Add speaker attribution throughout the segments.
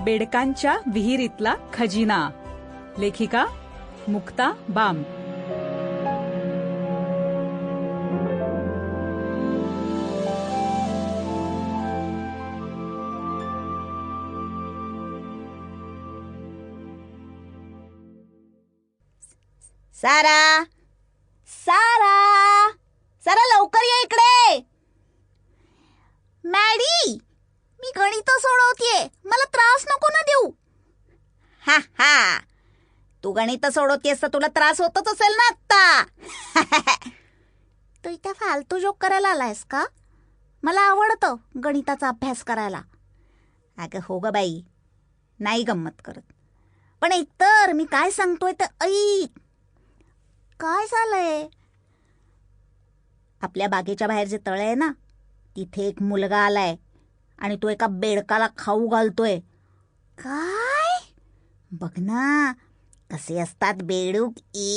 Speaker 1: बेडकांच्या विहिरीतला खजिना. लेखिका मुक्ता बाम.
Speaker 2: सारा, सारा, सारा लवकर ये इकडे. मॅडी, मी गणित सोडवतेय, मला त्रास नको ना देऊ. हा हा, तू गणित सोडवतेस तर तुला त्रास होतच असेल ना आत्ता. तू इथे फालतू जोक करायला आलायस का? मला आवडतं गणिताचा अभ्यास करायला. अगं हो ग बाई, नाही गंमत करत, पण एकतर मी काय सांगतोय तर ऐक. काय झालंय? आपल्या बागेच्या बाहेर जे तळ आहे ना, तिथे एक मुलगा आलाय आणि तो एका बेडकाला खाऊ घालतोय. काय? बघ ना कसे असतात बेडूक.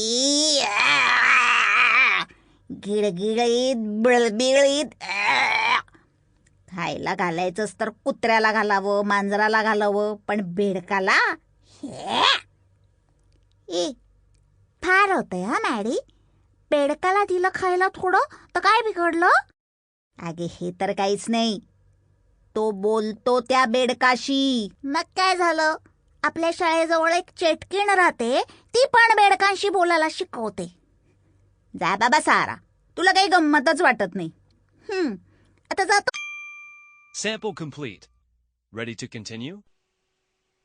Speaker 2: गिळगिळीत बिळबिळीत. खायला घालायचंच तर कुत्र्याला घालावं, मांजराला घालावं, पण बेडकाला फार होतंय हा मॅडी. बेडकाला दिलं खायला थोडं तर काय बिघडलं? अगे हे तर काहीच नाही, तो बोलतो त्या बेडकाशी. मग काय झालं? आपल्या शाळेजवळ एक चेटकीण राहते, ती पण बेडकांशी बोलायला शिकवते. जा बाबा सारा, तुला काही गंमतच वाटत नाही. आता जातो.
Speaker 3: Sample complete. Ready to continue?